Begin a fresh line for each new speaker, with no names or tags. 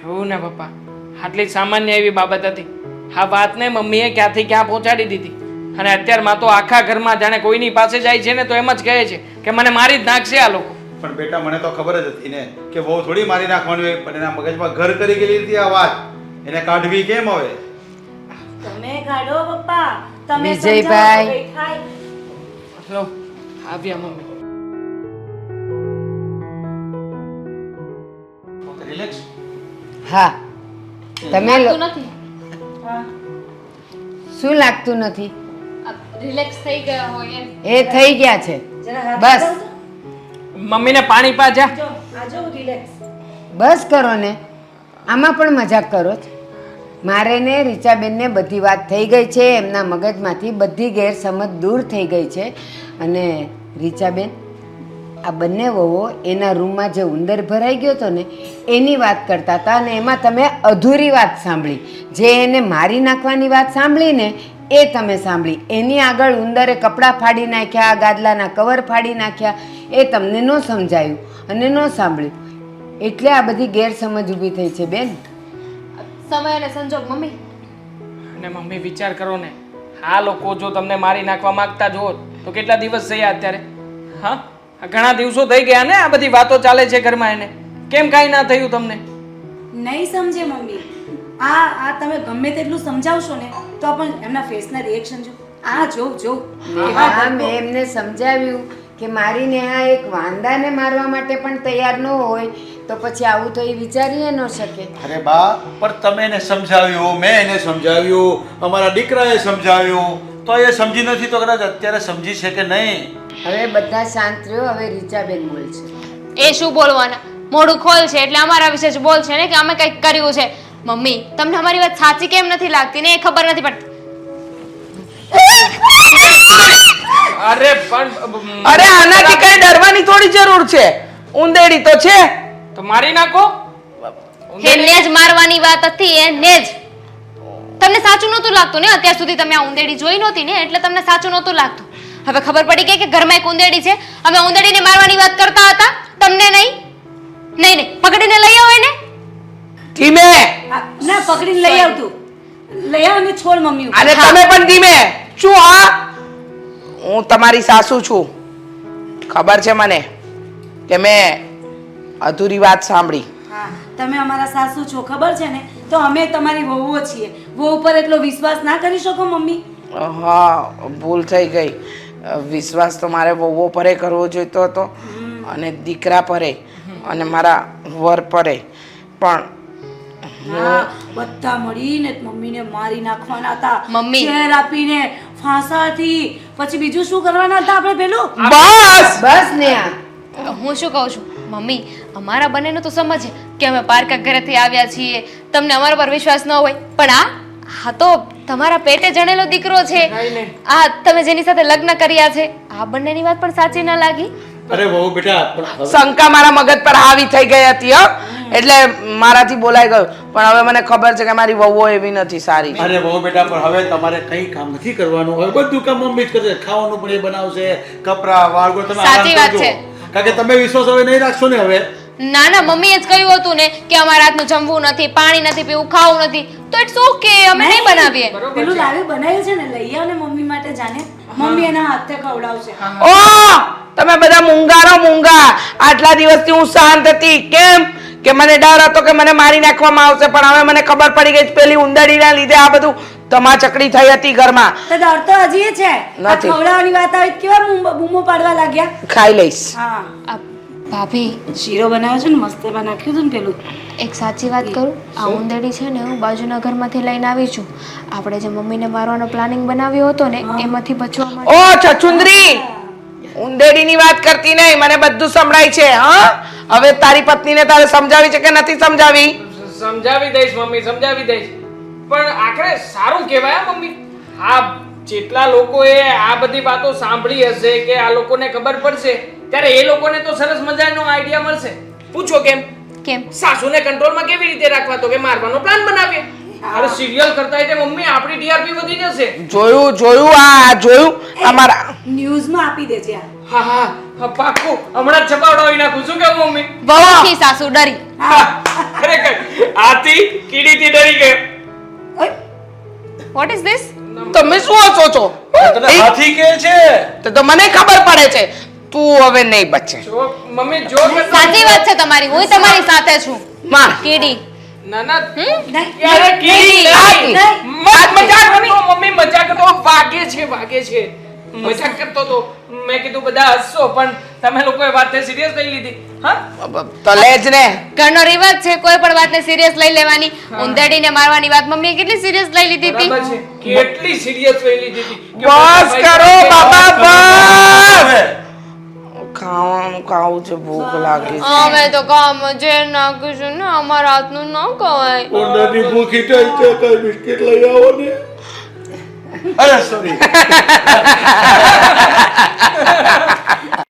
એવું ને પપ્પા, આટલી સામાન્ય એવી બાબત હતી. આ વાતને મમ્મીએ ક્યાંથી ક્યાં પહોંચાડી દીધી અને અત્યારમાં તો આખા ઘરમાં જાણે કોઈની પાસે જાય છે ને તો એમ જ કહે છે કે મને મારી જ નાખશે આ લોકો.
પણ બેટા મને તો ખબર જ હતી ને કે બહુ થોડી મારી નાખવાની હોય, પણ એના મગજમાં ઘર કરી ગયેલી હતી આ વાત. એને કાઢવી કેમ હવે?
તમે કાઢો પપ્પા, તમે
વિજયભાઈ.
સમજાવો તો કંઈ થાય.
લો, આવ્યા મમ્મી.
રિલેક્સ.
હા તમે
લાગતું નથી
હા.
શું લાગતું નથી?
રિલેક્સ થઈ ગયા હોય એમ.
એ થઈ ગયા છે.
જરા હાથ
બસ.
લગાવજો.
મમ્મીને પાણી પાજા.
જો આ જો રિલેક્સ.
બસ કરો ને, આમાં પણ મજાક કરો છો. મારે ને રીચાબેનને બધી વાત થઈ ગઈ છે, એમના મગજમાંથી બધી ગેરસમજ દૂર થઈ ગઈ છે. અને રીચાબેન, આ બંને વહુઓ એના રૂમમાં જે ઉંદર ભરાઈ ગયો હતો ને એની વાત કરતા હતા અને એમાં તમે અધૂરી વાત સાંભળી. જે એને મારી નાખવાની વાત સાંભળી ને એ તમે સાંભળી. એની આગળ ઉંદરે કપડાં ફાડી નાખ્યા, ગાદલાના કવર ફાડી નાખ્યા, એ તમને ન સમજાયું અને ન સાંભળ્યું. એટલે આ બધી ગેરસમજ ઊભી થઈ છે બેન.
સમય અને સંજોગ મમ્મી.
અને મમ્મી વિચાર કરો ને, આ લોકો જો તમને મારી નાખવા માંગતા જ હોત તો કેટલા દિવસ થયા અત્યારે? હા, આ ઘણા દિવસો થઈ ગયા ને આ બધી વાતો ચાલે છે ઘરમાં. એને કેમ કાંઈ ના થયું તમને?
નહીં સમજે મમ્મી. આ તમે ગમે તેટલું સમજાવશો ને તો પણ એમના ફેસના રિએક્શન જો. આ જો
હા, મેં એમને સમજાવ્યું કે મારી નેહા એક વાંદાને મારવા માટે પણ તૈયાર ન હોય તો પછી આવું તો એ વિચારી ન શકે.
અરે બા, પણ તમે એને સમજાવ્યું, મેં એને સમજાવ્યું, અમારા દીકરાએ સમજાવ્યું, તો એ સમજી નથી તો કદાચ અત્યારે સમજી છે કે નહીં?
હવે બધા શાંત રહ્યો. હવે રીચાબેન બોલશે.
એ શું બોલવાના? મોઢું ખોલ છે એટલે અમારા વિશે જ બોલ છે ને કે અમે કંઈક કર્યું છે. મમ્મી, તમને અમારી વાત સાચી કેમ નથી લાગતી ને એ ખબર નથી પડતી.
અરે પણ
અરે આનાથી કઈ ડરવાની થોડી જરૂર છે. ઉંદેડી તો છે.
તો મારી નાખો.
એને જ મારવાની વાત હતી, એને જ. તમને સાચું નહોતું લાગતું ને અત્યાર સુધી? તમે આ ઉંદેડી જોઈ નહોતી ને એટલે તમને સાચું નહોતું લાગતું. હવે ખબર પડી ગઈ કે ઘરમાં એક ઉંદેડી છે. અમે ઉંદેડીને મારવાની વાત કરતા હતા, તમને નહીં. નહીં નહીં, પકડીને લઈ આવો એને.
ધીમે.
ના પકડીને લઈ આવતું. લઈ આવ ને છોડ મમ્મી.
અને તમે પણ ધીમે. શું? હા, હું તમારી સાસુ છું. ખબર છે મને કે મેં અધૂરી વાત સાંભળી.
હા, તમે અમારા સાસુ છો ખબર છે ને, તો અમે તમારી વહુઓ છીએ. વહુ પર એટલો વિશ્વાસ ના કરી શકો મમ્મી?
હા, ભૂલ થઈ ગઈ. વિશ્વાસ તો મારે વહુઓ પરે કરવો જોઈતો હતો અને દીકરા પરે અને મારા વર પરે. પણ
હા, બધા મળીને મમ્મીને મારી નાખવાના હતા.
મમ્મી.
ઝેર આપીને ફાંસાથી. પછી બીજું શું કરવાના હતા આપણે પેલું?
બસ.
બસ નેહા,
હું શું કહું છું મમ્મી, અમારા બંનેનું તો સમજ કે અમે પારકા ઘરેથી આવ્યા છીએ, તમને અમારા પર વિશ્વાસ ન હોય. પણ હા તો તમારા પેટે જણેલો દીકરો છે. આ તમે જેની સાથે લગ્ન કર્યા છે, આ બંનેની વાત પણ સાચી ન લાગી?
અરે બહુ બેટા, પણ
શંકા મારા મગજ પર હાવી થઈ ગઈ હતી. એટલે મારાથી બોલાઈ ગયું. પણ હવે મને ખબર છે કે મારી વહુઓ એવી નથી સારી.
અરે બહુ બેટા, પણ હવે તમારે કઈ કામ નથી કરવાનું. હવે બધું કામ મમ્મી જ કરશે. ખાવાનું પણ એ બનાવશે, કપડા વાળગો તમે
સાચી
આરામ
વાત
કરજો.
છે.
કારણ કે તમે વિશ્વાસ હવે નહીં રાખશો ને હવે.
ના ના, મમ્મીએ જ કહ્યું હતું ને કે અમારા હાથનું જમવું નથી, પાણી નથી પીવું, ખાવું નથી, તો ઇટ્સ ઓકે, અમે નહીં બનાવીએ.
પેલું લાવી બનાવ્યું છે ને, લઈ આવ ને મમ્મી માટે. જાને મમ્મી એના હાથે ખવડાવશે.
ઓ તમે બધા મૂંગારો મૂંગા. આટલા દિવસથી હું શાંત હતી. કેમ? કે મને ડર હતો કે મને મારી નાખવામાં આવશે. પણ હવે મને ખબર પડી ગઈ પેલી ઉંદરડીના લીધે આ બધું તમાચકડી થઈ હતી ઘરમાં.
તો ડર તો હજી છે. આ
નથી.
ખવડાવવાની વાત આવી કેવા બૂમો પાડવા લાગ્યા.
ખાઈ લઈશ.
હા,
આ ભાભી,
શીરો બનાવ્યો છે ને, મસ્ત એમાં નાખ્યું હતું ને પેલું.
એક સાચી વાત કરું, આ ઉંદરડી છે ને હું બાજુના ઘરમાંથી લઈને આવી છું. આપણે જે મમ્મીને મારવાનો પ્લાનિંગ બનાવ્યો હતો ને એમાંથી બચવા માટે.
ઓ છછુંદરી, ઉંદેડીની વાત કરતી નહીં. મને બધું સંભળાય છે. હા, હવે તારી પત્નીને તારે સમજાવી છે કે નથી સમજાવી?
સમજાવી દઈશ મમ્મી, સમજાવી દઈશ. પણ આખરે સારું કહેવાય હા મમ્મી. આ જેટલા લોકોએ આ બધી વાતો સાંભળી હશે કે આ લોકોને ખબર પડશે ત્યારે એ લોકોને તો સરસ મજાનો આઈડિયા મળશે. પૂછો કેમ?
કેમ?
સાસુને કંટ્રોલમાં કેવી રીતે રાખવા? તો કે મારવાનો પ્લાન બનાવીએ. અરે સિરિયલ કરતા એટલે મમ્મી આપણી ટીઆરપી વધી જશે.
જોયું આ જોયું અમારા
ન્યૂઝમાં આપી દેજે આ.
હા હા, પાક્કું હમણાં જ છપાવડાવી નાખું. શું કેવું મમ્મી?
વહુથી સાસુ ડરી.
હા
ખરેખર હાથી કીડીથી ડરી ગયો.
ઓય,
વોટ ઇઝ ધીસ?
તમે શું હસો છો
તને હાથી કે છે
તો મને ખબર પડે છે તું હવે નહીં બચે
જો મમ્મી જો કે
સાચી વાત છે તમારી, હું તમારી સાથે છું.
માર
કીડી.
ના ના
નહીં,
યાર કીડી
હાથી.
નહીં. મજાક કરતો મમ્મી, મજાક કરતો. વાગે છે મજાક કરતો તો. મેં કીધું બધા હસશો પણ તમે લોકોએ વાતને સિરિયસ લઈ લીધી. હા
તો લેજ ને
ઘરનો રિવાજ છે કોઈ પણ વાતને સિરિયસ લઈ લેવાની. ઉંદેડીને મારવાની વાત મમ્મીએ કેટલી સિરિયસ લઈ લીધી હતી.
બરાબર છે, કેટલી સિરિયસ લઈ લીધી હતી કે
બસ
મોટા
કરો
ભાઈ
બાબા બસ
હવે
ખાવાનું ખાવું છે ભૂખ લાગી છે
અમે તો કામ જે નાખીશું ને અમારા હાથનું ન કવાય.
ઓંડાની ભૂખી થઈ છે કઈ બિસ્કિટ લઈ આવો ને અરે સોરી